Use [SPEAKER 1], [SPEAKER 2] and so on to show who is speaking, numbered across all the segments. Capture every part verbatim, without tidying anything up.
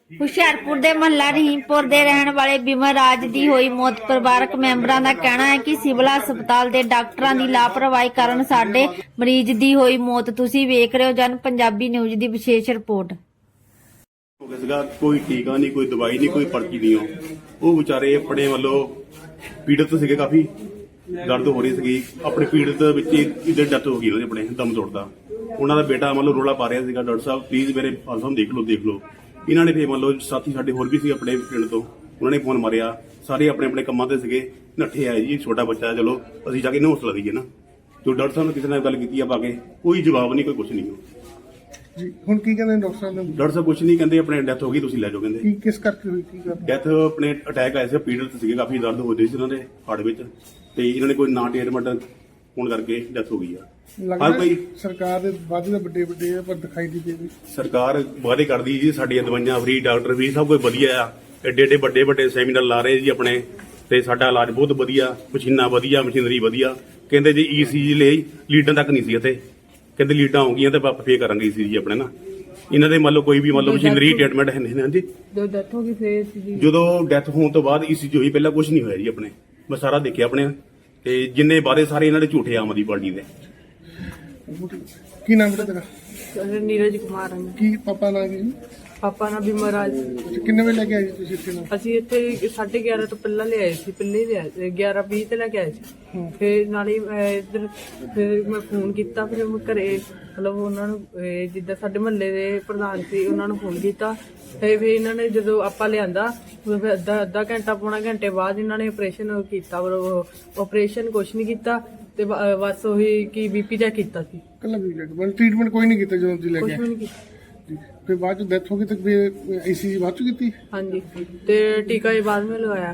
[SPEAKER 1] ਹੁਸ਼ਿਆਰਪੁਰ ਦੇ ਮਹੱਲਾ ਰਹੀਮਪੁਰ ਦੇ ਰਹਿਣ ਵਾਲੇ ਬਿਮਰ ਰਾਜ ਦੀ ਹੋਈ ਮੌਤ। ਪਰਿਵਾਰਕ ਮੈਂਬਰਾਂ ਦਾ ਕਹਿਣਾ ਹੈ ਕਿ ਸਿਵਲ ਹਸਪਤਾਲ ਦੇ ਡਾਕਟਰਾਂ ਦੀ ਲਾਪਰਵਾਹੀ ਕਾਰਨ ਸਾਡੇ ਮਰੀਜ਼ ਦੀ ਹੋਈ ਮੌਤ। ਤੁਸੀਂ ਵੇਖ ਰਹੇ ਹੋ ਜਨ ਪੰਜਾਬੀ ਨਿਊਜ਼ ਦੀ ਵਿਸ਼ੇਸ਼ ਰਿਪੋर्ट।
[SPEAKER 2] ਕੋਈ ਟੀਕਾ ਨਹੀਂ, ਕੋਈ ਦਵਾਈ ਨਹੀਂ, ਕੋਈ ਪਰਚੀ ਨਹੀਂ। ਉਹ ਵਿਚਾਰੇ ਆਪਣੇ ਵੱਲੋਂ ਪੀੜਤ ਸੀਗੇ, ਕਾਫੀ ਦਰਦ ਹੋ ਰਹੀ ਸੀਗੀ। ਆਪਣੇ ਪੀੜਤ ਵਿੱਚ ਇਹਦੇ ਡੈਥ ਹੋ ਗਈ, ਉਹਦੇ ਆਪਣੇ ਦਮ ਤੋੜਦਾ। ਉਹਨਾਂ ਦਾ ਬੇਟਾ ਮੰਨ ਲਓ ਰੋਲਾ ਪਾ ਰਿਹਾ ਸੀਗਾ, ਡਾਕਟਰ ਸਾਹਿਬ ਪਲੀਜ਼ ਮੇਰੇ ਫਾਲਸਮ ਦੇਖ ਲਓ ਦੇਖ ਲਓ। ਇਹਨਾਂ ਨੇ ਫਿਰ ਮੰਨ ਲਓ ਸਾਥੀ ਸਾਡੇ ਹੋਰ ਵੀ ਸੀ ਆਪਣੇ ਪਿੰਡ ਤੋਂ, ਉਹਨਾਂ ਨੇ ਫੋਨ ਮਾਰਿਆ। ਸਾਰੇ ਆਪਣੇ ਆਪਣੇ ਕੰਮਾਂ ਤੇ ਸੀਗੇ, ਨੱਠੇ ਆਏ ਜੀ। ਛੋਟਾ ਬੱਚਾ, ਚਲੋ ਅਸੀਂ ਜਾ ਕੇ ਇਹਨੂੰ ਹੌਸਲਾ ਦਈਏ ਨਾ। ਜੋ ਡਾਕਟਰ ਸਾਹਿਬ ਨੇ ਕਿਸੇ ਨਾਲ ਗੱਲ ਕੀਤੀ ਆ ਪਾ ਕੇ, ਕੋਈ ਜਵਾਬ ਨਹੀਂ, ਕੋਈ ਕੁਝ ਨਹੀਂ
[SPEAKER 3] ਜੀ। ਹੁਣ ਕੀ ਕਹਿੰਦੇ ਡਾਕਟਰ ਸਾਹਿਬ ਨੇ?
[SPEAKER 2] ਡਾਕਟਰ ਸਾਹਿਬ ਕੁਝ ਨਹੀਂ ਕਹਿੰਦੇ, ਆਪਣੇ ਡੈਥ ਹੋ ਗਈ, ਤੁਸੀਂ ਲੈ ਜਾਓ ਕਹਿੰਦੇ।
[SPEAKER 3] ਕੀ ਕਿਸ ਕਰਕੇ ਹੋਈ, ਕੀ ਗੱਲ?
[SPEAKER 2] ਡੈਥ ਆਪਣੇ ਅਟੈਕ ਆਇਆ ਸੀ, ਪੀੜਤ ਸੀਗੇ, ਕਾਫੀ ਦਰਦ ਹੋ ਰਹੀ ਸੀ ਉਹਨਾਂ ਦੇ ਹਾਰਟ ਵਿੱਚ, ਤੇ ਇਹਨਾਂ ਨੇ ਕੋਈ ਨਾ ਟ੍ਰੀਟਮੈਂਟ ਹੋਣ ਕਰਕੇ ਡੈਥ ਹੋ ਗਈ ਆ। ਹਰ ਕੋਈ
[SPEAKER 3] ਸਰਕਾਰ ਦੇ ਵਾਅਦੇ ਤਾਂ ਵੱਡੇ ਵੱਡੇ ਆ, ਪਰ ਦਿਖਾਈ ਨਹੀਂ ਦੇ ਰਹੀ।
[SPEAKER 2] ਸਰਕਾਰ ਵਾਅਦੇ ਕਰਦੀ ਜੀ, ਸਾਡੀਆਂ ਦਵਾਈਆਂ ਫ੍ਰੀ, ਡਾਕਟਰ ਵੀ, ਸਭ ਕੁਝ ਵਧੀਆ ਆ। ਏਡੇ ਏਡੇ ਵੱਡੇ ਵੱਡੇ ਸੈਮੀਨਾਰ ਲਾ ਰਹੇ ਜੀ ਆਪਣੇ, ਤੇ ਸਾਡਾ ਇਲਾਜ ਬਹੁਤ ਵਧੀਆ, ਮਸ਼ੀਨਾਂ ਵਧੀਆ, ਮਸ਼ੀਨਰੀ ਵਧੀਆ। ਕਹਿੰਦੇ ਜੀ ਈਸੀਜੀ ਲਈ ਲੀਡਾਂ ਤੱਕ ਨਹੀਂ ਸੀ ਇੱਥੇ, ਕਹਿੰਦੇ ਲੀਡਾਂ ਹੋ ਗਈਆਂ ਤੇ ਆਪਾਂ ਫੇਰ ਕਰਾਂਗੇ ਈਸੀਜੀ ਆਪਣੇ ਨਾ। ਇਹਨਾਂ ਦੇ ਮੰਨ ਲਓ ਕੋਈ ਵੀ ਮੰਨ ਲਓ ਮਸ਼ੀਨਰੀ ਟ੍ਰੀਟਮੈਂਟ ਹੈ ਨਹੀਂ। ਹਾਂਜੀ,
[SPEAKER 4] ਜਦੋਂ ਡੈਥ ਹੋ ਗਈ ਫੇਰ
[SPEAKER 2] ਜਦੋਂ ਡੈਥ ਹੋਣ ਤੋਂ ਬਾਅਦ ਈਸੀਜੀ ਹੋਈ, ਪਹਿਲਾਂ ਕੁਝ ਨਹੀਂ ਹੋਇਆ ਜੀ ਆਪਣੇ। ਮੈਂ ਸਾਰਾ ਦੇਖਿਆ ਆਪਣੇ, ਤੇ ਜਿੰਨੇ ਵਾਅਦੇ ਸਾਰੇ ਇਹਨਾਂ ਦੇ ਝੂਠੇ ਆਮ ਆਦਮੀ ਪਾਰਟੀ ਦੇ।
[SPEAKER 3] ਕੀ ਨਾਮ ਹੈ ਤੇਰਾ?
[SPEAKER 4] ਨੀਰਜ ਕੁਮਾਰ ਹਨ।
[SPEAKER 3] ਕੀ ਪਾਪਾ ਨਾਲ ਕੀ?
[SPEAKER 4] ਪਾਪਾ ਨਾਲ ਬਿਮਰ ਰਾਜ।
[SPEAKER 3] ਕਿੰਨੇ ਵਜੇ ਲੈ ਕੇ ਆਏ ਜੀ ਤੁਸੀਂ ਇੱਥੇ ਨੂੰ?
[SPEAKER 4] ਅਸੀਂ ਇੱਥੇ ਸਾਢੇ ਗਿਆਰਾਂ ਤੋਂ ਪਹਿਲਾਂ ਲਿਆਏ ਸੀ, ਪਹਿਲੇ ਲਿਆਏ ਗਿਆਰਾਂ ਵੀਹ ਤੇ ਲੈ ਕੇ ਆਏ ਸੀ। ਫਿਰ ਨਾਲੇ ਮੈਂ ਇੱਧਰ ਫਿਰ ਮੈਂ ਫੋਨ ਕੀਤਾ, ਫਿਰ ਮੈਂ ਘਰੇ ਮਤਲਬ ਉਹਨਾਂ ਨੂੰ ਇਹ ਜਿੱਦਾਂ ਸਾਡੇ ਮਹੱਲੇ ਦੇ ਪ੍ਰਧਾਨ ਸੀ ਉਹਨਾਂ ਨੂੰ ਫੋਨ ਕੀਤਾ। ਤੇ ਫਿਰ ਇਹਨਾਂ ਨੇ ਜਦੋਂ ਆਪਾਂ ਲਿਆਂਦਾ ਫਿਰ ਅੱਧਾ ਅੱਧਾ ਘੰਟਾ ਪੌਣਾ ਘੰਟੇ ਬਾਅਦ ਇਹਨਾਂ ਨੇ ਆਪਰੇਸ਼ਨ ਕੀਤਾ। ਮਤਲਬ ਆਪਰੇਸ਼ਨ ਕੁਛ ਨਹੀਂ ਕੀਤਾ, ਤੇ ਬ- ਬਸ ਉਹੀ ਕਿ ਬੀਪੀ ਚੈੱਕ ਕੀਤਾ ਸੀ,
[SPEAKER 3] ਕੱਲਾ ਵੀ ਟ੍ਰੀਟਮੈਂਟ ਕੋਈ ਨਹੀਂ ਕੀਤਾ ਜਦੋਂ ਤੁਸੀਂ ਲੈ
[SPEAKER 4] ਕੁਛ
[SPEAKER 3] ਕੇ
[SPEAKER 4] ਵੀ
[SPEAKER 3] ਆਏ?
[SPEAKER 4] ਨਹੀਂ ਕੀਤਾ।
[SPEAKER 3] ਜੀ। ਫਿਰ ਬਾਅਦ ਚ ਡੈਥ ਹੋ ਗਈ, ਤੇ ਫਿਰ ਆਈਸੀਜੀ ਬਾਅਦ ਚ ਕੀਤੀ?
[SPEAKER 4] ਹਾਂਜੀ, ਤੇ ਟੀਕਾ ਵੀ ਬਾਅਦ ਵਿੱਚ ਲਗਾਇਆ।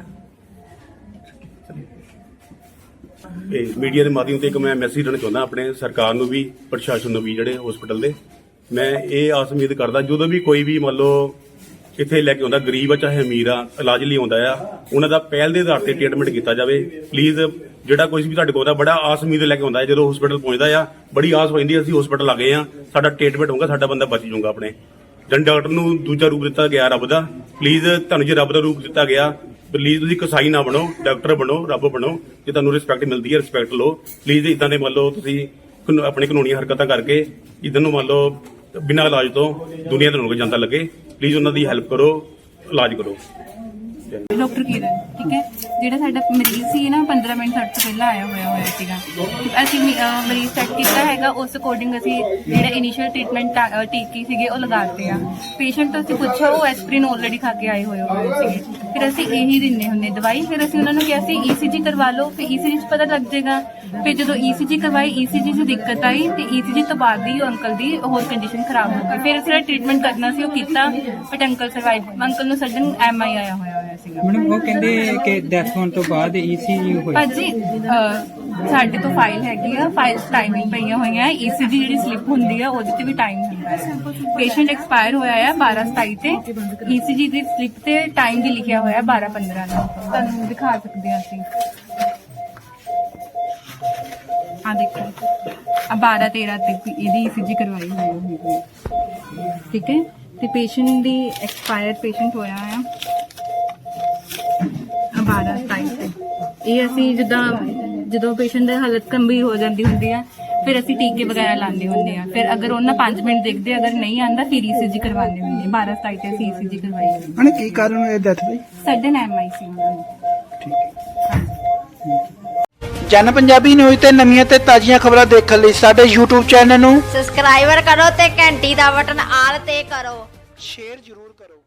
[SPEAKER 2] ਤੇ ਮੀਡੀਆ ਦੇ ਮਾਧਿਅਮ ਤੇ ਇੱਕ ਮੈਂ ਮੈਸੇਜ ਦੇਣਾ ਚਾਹੁੰਦਾ ਆਪਣੇ ਸਰਕਾਰ ਨੂੰ ਵੀ, ਪ੍ਰਸ਼ਾਸਨ ਨੂੰ ਵੀ, ਜਿਹੜੇ ਹਸਪੀਟਲ ਦੇ। ਮੈਂ ਇਹ ਆਸ ਉਮੀਦ ਕਰਦਾ ਜਦੋਂ ਵੀ ਕੋਈ ਵੀ ਮੰਨ ਲਓ ਇੱਥੇ ਲੈ ਕੇ ਆਉਂਦਾ, ਗਰੀਬ ਆ ਚਾਹੇ ਅਮੀਰ ਆ, ਇਲਾਜ ਲਈ ਆਉਂਦਾ ਆ, ਉਹਨਾਂ ਦਾ ਪਹਿਲ ਦੇ ਆਧਾਰ ਤੇ ਟ੍ਰੀਟਮੈਂਟ ਕੀਤਾ ਜਾਵੇ ਪਲੀਜ਼। ਜਿਹੜਾ ਕੋਈ ਵੀ ਤੁਹਾਡੇ ਕੋਲ ਆਉਂਦਾ, ਬੜਾ ਆਸ ਉਮੀਦ ਲੈ ਕੇ ਆਉਂਦਾ ਹੈ, ਜਦੋਂ ਹਸਪੀਟਲ ਪਹੁੰਚਦਾ ਆ ਬੜੀ ਆਸ ਹੋ ਜਾਂਦੀ, ਅਸੀਂ ਹਸਪੀਟਲ ਆ ਗਏ ਆ, ਸਾਡਾ ਟ੍ਰੀਟਮੈਂਟ ਹੋਊਗਾ, ਸਾਡਾ ਬੰਦਾ ਬਚ ਜਾਊਗਾ ਆਪਣੇ। ਜਨ ਡਾਕਟਰ ਨੂੰ ਦੂਜਾ ਰੂਪ ਦਿੱਤਾ ਗਿਆ ਰੱਬ ਦਾ। ਪਲੀਜ਼ ਤੁਹਾਨੂੰ ਜੇ ਰੱਬ ਦਾ ਰੂਪ ਦਿੱਤਾ ਗਿਆ, ਪਲੀਜ਼ ਤੁਸੀਂ ਕਸਾਈ ਨਾ ਬਣੋ, ਡਾਕਟਰ ਬਣੋ, ਰੱਬ ਬਣੋ। ਜੇ ਤੁਹਾਨੂੰ ਰਿਸਪੈਕਟ ਮਿਲਦੀ ਹੈ, ਰਿਸਪੈਕਟ ਲਓ ਪਲੀਜ਼। ਇਦਾਂ ਦੇ ਮੰਨ ਲਓ ਤੁਸੀਂ ਕਾਨੂੰ- ਆਪਣੀ ਕਾਨੂੰਨੀ ਹਰਕਤਾਂ ਕਰਕੇ ਇਦਾਂ ਨੂੰ ਮੰਨ ਲਓ ਬਿਨਾਂ ਇਲਾਜ ਤੋਂ ਦੁਨੀਆ ਤੋਂ ਰੁਕ ਜਾਂਦਾ ਲੱਗੇ, ਪਲੀਜ਼ ਉਹਨਾਂ ਦੀ ਹੈਲਪ ਕਰੋ, ਇਲਾਜ ਕਰੋ।
[SPEAKER 5] ਡਾਕਟਰ ਕਿਰਨ, ਠੀਕ ਹੈ। ਜਿਹੜਾ ਸਾਡਾ ਮਰੀਜ਼ ਸੀ ਨਾ ਪੰਦਰਾਂ ਮਿੰਟ ਸਾਡੇ ਤੋਂ ਪਹਿਲਾਂ ਆਇਆ ਹੋਇਆ ਹੋਇਆ ਸੀਗਾ। ਅਸੀਂ ਅਹ, ਮਰੀਜ਼ ਸੈੱਟ ਕੀਤਾ ਹੈਗਾ, ਉਸ ਅਕੋਰਡਿੰਗ ਅਸੀਂ ਜਿਹੜਾ ਇਨੀਸ਼ੀਅਲ ਟ੍ਰੀਟਮੈਂਟ ਟੀਕੇ ਸੀਗੇ ਉਹ ਲਗਾਤੇ ਆ। ਪੇਸ਼ੈਂਟ ਤੋਂ ਅਸੀਂ ਪੁੱਛਿਆ, ਉਹ ਐਸਪਰੀਨ ਆਲਰੇਡੀ ਖਾ ਕੇ ਆਏ ਹੋਏ ਹੋਏ ਸੀਗੇ। ਫਿਰ ਅਸੀਂ ਇਹੀ ਦਿੰਦੇ ਹੁੰਦੇ ਦਵਾਈ। ਫਿਰ ਅਸੀਂ ਉਹਨਾਂ ਨੂੰ ਕਿਹਾ ਸੀ ਈਸੀਜੀ ਕਰਵਾ ਲਓ, ਫਿਰ ਈਸੀਜੀ 'ਚ ਪਤਾ ਲੱਗ ਜਾਏਗਾ। ਫਿਰ ਜਦੋਂ ਈਸੀਜੀ ਕਰਵਾਈ, ਈਸੀਜੀ 'ਚ ਦਿੱਕਤ ਆਈ, ਤੇ ਈਸੀਜੀ ਤੋਂ ਬਾਅਦ ਹੀ ਅੰਕਲ ਦੀ ਹੋਰ ਕੰਡੀਸ਼ਨ ਖਰਾਬ ਹੋ ਗਈ। ਫਿਰ ਅਸੀਂ ਟ੍ਰੀਟਮੈਂਟ ਕਰਨਾ ਸੀ, ਉਹ ਕੀਤਾ, ਬਟ ਅੰਕਲ ਸਰਵਾਈਵ। ਅੰਕਲ ਨੂੰ ਸਡਨ ਐਮ ਆਈ ਆਇਆ ਹੋਇਆ ਹੋਇਆ ਸੀਗਾ।
[SPEAKER 6] ਮੈਡਮ ਉਹ ਕਹਿੰਦੇ ਕਿ ਡੈਥ ਹੋਣ ਤੋਂ ਬਾਅਦ ਈਸੀਜੀ ਹੋਈ।
[SPEAKER 5] ਭਾਜੀ ਅਹ, ਸਾਡੇ ਤੋਂ ਫਾਈਲ ਹੈਗੀ ਆ, ਫਾਈਲ ਟਾਈਮਿੰਗ ਪਈਆਂ ਹੋਈਆਂ। ਈਸੀਜੀ ਜਿਹੜੀ ਸਲਿੱਪ ਹੁੰਦੀ ਆ ਉਹਦੇ ਤੇ ਵੀ ਟਾਈਮ ਹੁੰਦਾ ਹੈ। ਪੇਸ਼ੈਂਟ ਐਕਸਪਾਇਰ ਹੋਇਆ ਆ ਬਾਰਾਂ ਸਤਾਈ ਤੇ, ਈਸੀਜੀ ਦੀ ਸਲਿੱਪ ਤੇ ਟਾਈਮ ਵੀ ਲਿਖਿਆ ਹੋਇਆ ਬਾਰਾਂ ਪੰਦਰਾਂ ਦਾ। ਤੁਹਾਨੂੰ ਦਿਖਾ ਸਕਦੇ ਹਾਂ ਅਸੀਂ, ਆ ਦੇਖੋ, ਆ ਬਾਰਾਂ ਤੇਰਾਂ ਤੱਕ ਇਹਦੀ ਈਸੀਜੀ ਕਰਵਾਈ ਹੋਈ ਹੈ, ਠੀਕ ਹੈ। ਤੇ ਪੇਸ਼ੈਂਟ ਦੀ ਐਕਸਪਾਇਰ ਪੇਸ਼ੈਂਟ ਹੋਇਆ ਆ ਬਾਰਾਂ ਸਤਾਈ ਤੇ। ਇਹ ਅਸੀਂ ਜਿੱਦਾਂ ਜਦੋਂ ਪੇਸ਼ੈਂਟ ਦੀ ਹਾਲਤ ਗੰਭੀਰ ਹੋ ਜਾਂਦੀ ਹੁੰਦੀ ਆ, ਫਿਰ ਅਸੀਂ ਟੀਕੇ ਵਗੈਰਾ ਲਾਉਂਦੇ ਹੁੰਦੇ ਆ। ਫਿਰ ਅਗਰ ਉਹਨਾਂ ਪੰਜ ਮਿੰਟ ਦੇਖਦੇ, ਅਗਰ ਨਹੀਂ ਆਂਦਾ ਫਿਰ ਈਸੀਜੀ ਕਰਵਾਉਂਦੇ ਹੁੰਦੇ। ਬਾਰਾਂ ਸਤਾਈ ਤੇ ਅਸੀਂ ਈਸੀਜੀ ਕਰਵਾਈ ਹੋਈ।
[SPEAKER 6] ਮੈਡਮ ਕੀ ਕਾਰਨ ਹੋਇਆ ਡੈਥ ਦਾ?
[SPEAKER 5] ਸਡਨ ਐਮ ਆਈ ਸੀ ਉਹਨਾਂ ਨੂੰ।
[SPEAKER 6] ਜਨ ਪੰਜਾਬੀ ਨਿਊਜ਼ ਤੇ ਨਵੀਆਂ ਤੇ ਤਾਜ਼ੀਆਂ ਖਬਰਾਂ ਦੇਖਣ ਲਈ ਸਾਡੇ YouTube ਚੈਨਲ ਨੂੰ
[SPEAKER 1] ਸਬਸਕ੍ਰਾਈਬਰ ਕਰੋ ਤੇ ਘੰਟੀ ਦਾ ਬਟਨ ਆਲ ਤੇ ਕਰੋ।
[SPEAKER 6] ਸ਼ੇਅਰ ਜ਼ਰੂਰ ਕਰੋ।